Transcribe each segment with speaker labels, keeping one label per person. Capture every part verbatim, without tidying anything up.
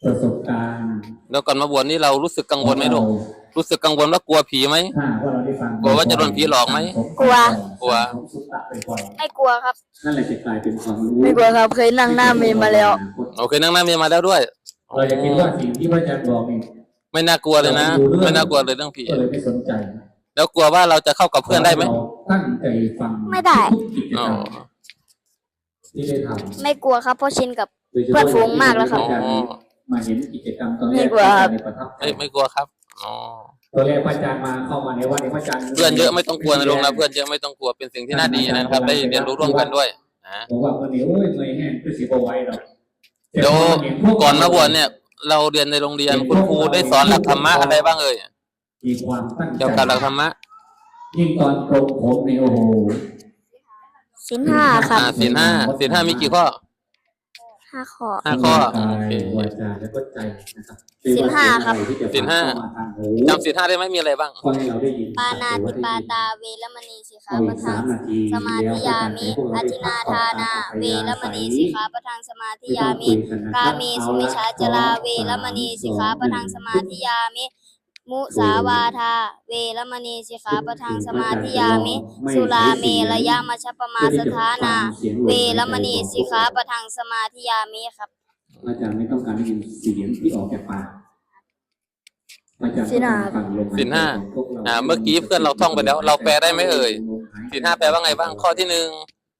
Speaker 1: ประสบการณ์
Speaker 2: แล้วก่อนมาบวชนี่เรารู้สึกกังวลไหมลูกรู้สึกกังวลว่ากลัวผีไหมกลัวว่าจะโดนผีหลอกไหม
Speaker 3: กลัว
Speaker 2: กลัว
Speaker 3: ไม่กลัวครับ
Speaker 1: นั่นแหละจะกลายเป็นความรู้
Speaker 3: ไม่กลัวครับเคยนั่งหน้าเมนมาแล้ว
Speaker 2: โอเคนั่งหน้าเมนมาแล้วด้วย
Speaker 1: เราจะคิดว่าสิ่งที่พระอาจารย์บอกนี่
Speaker 2: ไม่น่ากลัวเลยนะไม่น่ากลัวเลยเรื่องผี
Speaker 1: ก็เลยไม่สนใจ
Speaker 2: แล้วกลัวว่าเราจะเข้ากับเพื่อนได้ไหม
Speaker 1: ตั้งใจฟัง
Speaker 3: ไม่ได้
Speaker 1: ที่ได้ทำ
Speaker 3: ไม่กลัวครับเพราะชินกับเพื่อนฝูงมากแล้วครับ
Speaker 1: มาเห็นกิจกรรมตอนแรก
Speaker 3: ไม่กลัวครับ
Speaker 2: ไม่ไม่กลัวครับอ๋อ
Speaker 1: ตอนแรกพระอาจารย์มาเข้ามาในวัดในพระอาจารย์
Speaker 2: เพื่อนเยอะไม่ต้องกลัวนะลุงนะเพื่อนเยอะไม่ต้องกลัวเป็นสิ่งที่น่าดีนะครับได้เรียนรู้ร่วมกันด้วยนะ
Speaker 1: บอกว่าวันนี้โอ้ยเมื่อยแห้งคือสิบไว้เรา
Speaker 2: เดี๋ยวก่อนมาบวชเนี่ยเราเรียนในโรงเรียนคุณครูได้สอนหลักธรรมะอะไรบ้างเอ่ย
Speaker 1: มีความตั้งใจ
Speaker 2: เกี่ยวกับหลักธรรมะ
Speaker 1: ยิ่งตอนโกนผมในโอ้โห
Speaker 3: ศีลห้าครับ
Speaker 2: ศีลห้าศีลห้ามีกี่ข้อ
Speaker 3: ห้าข้อ
Speaker 2: ห้าข้อ
Speaker 1: โอเควาจาแล้วก็ใจนะครับ
Speaker 3: ศีลห้าครับ
Speaker 2: ศีลห้าจำศีลห้าได้ไหมมีอะไรบ้าง
Speaker 3: ปานาติปาตาเวรมณีสิกขาปะทังสมาธิยามิอธินาทานาเวรมณีสิกขาปะทังสมาธิยามิกาเมสุมิชฌาจาเวรมณีสิกขาปะทังสมาธิยามิมุสาวาทาเวรมณีสิกขาปะทังสมาธิยามิสุราเมรยมัชฌปมาสถานาเวรมณีสิกขาปะทังสมาธิยามิครับ
Speaker 1: อาจารย์ไม่ต้องการได้ยินเสียงที่ออกจากปาก
Speaker 3: ศีลห้า
Speaker 2: ศีลห้าอ่าเมื่อกี้เพื่อนเราท่องไปแล้วเราแปลได้ไหมเอ่ยศีลห้าแปลว่าไงบ้างข้อที่หนึ่ง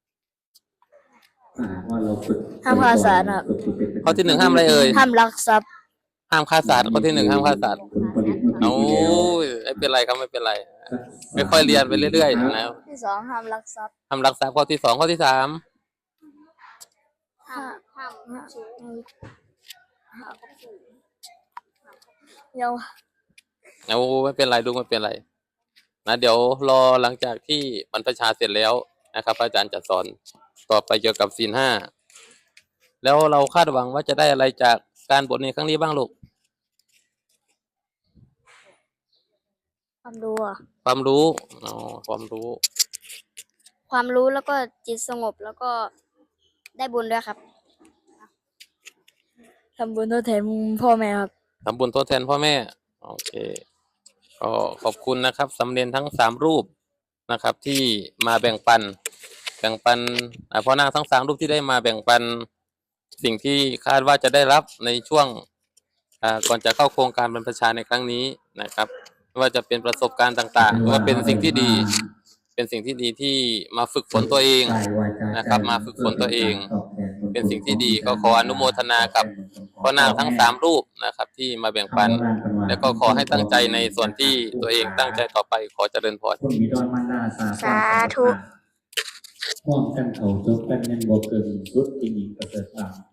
Speaker 3: ห้ามฆ่าสัตว์ครับ
Speaker 2: ข้อที่หนึ่งห้ามอะไรเอ่ย
Speaker 3: ห้ามลักทรัพย์
Speaker 2: ห้ามฆ่าสัตว์ข้อที่หนึ่งห้ามฆ่าสัตว์โอ้ยไม่เป็นไรครับไม่เป็นไรไม่ค่อยเรียนไปเรื่อยๆนะ
Speaker 3: ที่สองห้ามลักทรัพย์
Speaker 2: ห้ามลักทรัพย์ข้อที่สองข้อที่สาม
Speaker 3: ห้ามห้ามเดี๋ยว
Speaker 2: เอาไม่เป็นไรดูไม่เป็นไรนะเดี๋ยวรอหลังจากที่บรรพชาเสร็จแล้วนะครับอาจารย์จะสอนต่อไปเกี่ยวกับศีลห้าแล้วเราคาดหวังว่าจะได้อะไรจากการบวชในครั้งนี้บ้างลูก
Speaker 3: ความรู้
Speaker 2: ความรู้อ๋อความรู้
Speaker 3: ความรู้แล้วก็จิตสงบแล้วก็ได้บุญด้วยครับทำบุญทดแทนพ่อแม่ครับ
Speaker 2: ทำบุญทดแทนพ่อแม่โอเคก็ขอบคุณนะครับสำเร็จทั้งสามรูปนะครับที่มาแบ่งปันแบ่งปันพ่อนาคทั้งสามรูปที่ได้มาแบ่งปันสิ่งที่คาดว่าจะได้รับในช่วงก่อนจะเข้าโครงการบรรพชาในครั้งนี้นะครับไม่ว่าจะเป็นประสบการณ์ต่างๆหรือว่าเป็นสิ่งที่ดีเป็นสิ่งที่ดีที่มาฝึกฝนตัวเองนะครับมาฝึกฝนตัวเองเป็นสิ่งที่ดีก็ขออนุโมทนากับพ่อนาคทั้งสามรูปนะครับที่มาแบ่งปันแล้วก็ขอให้ตั้งใจในส่วนที่ตัวเองตั้งใจต่อไปขอเจริญพร
Speaker 3: สาธุ
Speaker 1: พร้อมกันเขาจบกันยังบ่เกินสุดที่มีประเสริฐ